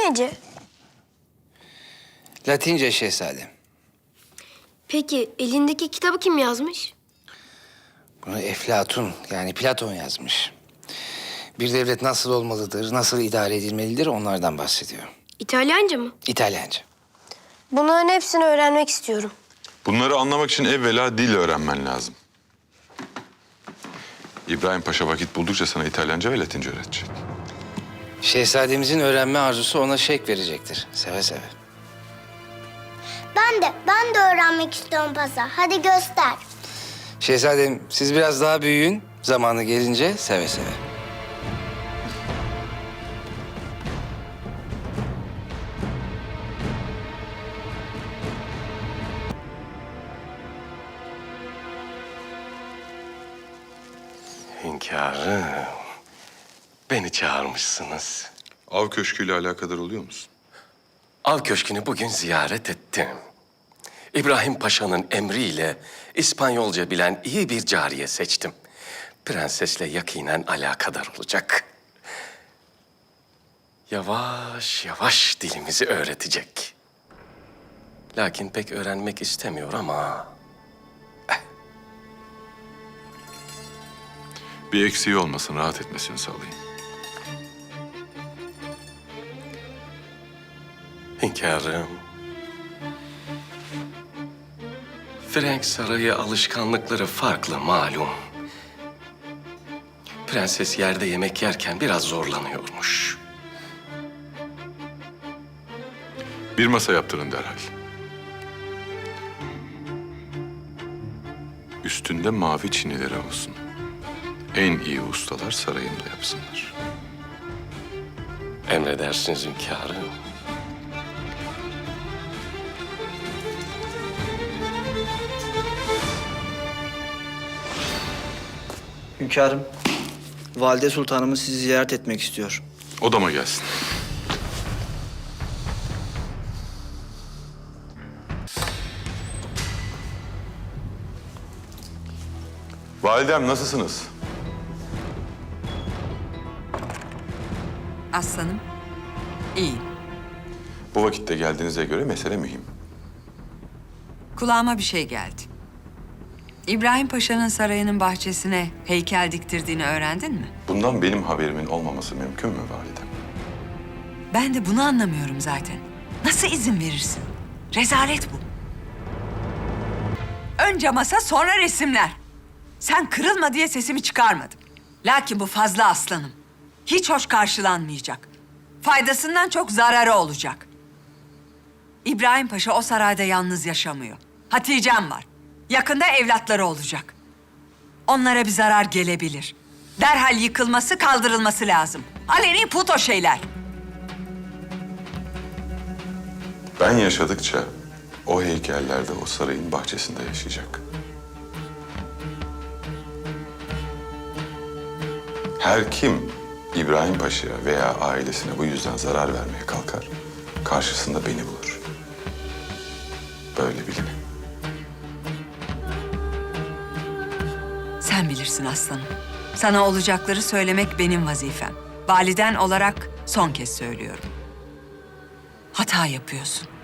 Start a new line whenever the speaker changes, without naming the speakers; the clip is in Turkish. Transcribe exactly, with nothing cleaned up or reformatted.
nece?
Latince şehzadem.
Peki elindeki kitabı kim yazmış?
Bunu Eflatun yani Platon yazmış. Bir devlet nasıl olmalıdır, nasıl idare edilmelidir onlardan bahsediyor.
İtalyanca mı?
İtalyanca.
Bunların hepsini öğrenmek istiyorum.
Bunları anlamak için evvela dil öğrenmen lazım. İbrahim Paşa vakit buldukça sana İtalyanca ve Latince öğretecek.
Şehzademizin öğrenme arzusu ona şevk verecektir. Seve seve.
Ben de, ben de öğrenmek istiyorum Pasa. Hadi göster.
Şehzadem siz biraz daha büyüyün. Zamanı gelince seve seve.
Hünkârım, beni çağırmışsınız.
Av köşküyle alakadar oluyor musun?
Av Köşkü'nü bugün ziyaret ettim. İbrahim Paşa'nın emriyle İspanyolca bilen iyi bir cariye seçtim. Prensesle yakinen alakadar olacak. Yavaş yavaş dilimizi öğretecek. Lakin pek öğrenmek istemiyor ama...
Bir eksiği olmasın, rahat etmesini sağlayın.
Hünkârım, Frank Sarayı alışkanlıkları farklı malum. Prenses yerde yemek yerken biraz zorlanıyormuş.
Bir masa yaptırın derhal. Üstünde mavi çinileri olsun. En iyi ustalar sarayımda yapsınlar.
Emredersiniz hünkârım.
Hünkârım, Valide Sultanımız sizi ziyaret etmek istiyor.
Odama gelsin. Validem nasılsınız?
Aslanım, iyiyim.
Bu vakitte geldiğinize göre mesele mühim.
Kulağıma bir şey geldi. İbrahim Paşa'nın sarayının bahçesine heykel diktirdiğini öğrendin mi?
Bundan benim haberimin olmaması mümkün mü validem?
Ben de bunu anlamıyorum zaten. Nasıl izin verirsin? Rezalet bu. Önce masa, sonra resimler. Sen kırılma diye sesimi çıkarmadım. Lakin bu fazla aslanım. Hiç hoş karşılanmayacak. Faydasından çok zararı olacak. İbrahim Paşa o sarayda yalnız yaşamıyor. Hatice'm var. Yakında evlatları olacak. Onlara bir zarar gelebilir. Derhal yıkılması, kaldırılması lazım. Aleni put o şeyler.
Ben yaşadıkça o heykeller de o sarayın bahçesinde yaşayacak. Her kim İbrahim Paşa'ya veya ailesine bu yüzden zarar vermeye kalkar, karşısında beni bulur. Böyle bilin.
Sen bilirsin aslanım. Sana olacakları söylemek benim vazifem. Validen olarak son kez söylüyorum. Hata yapıyorsun.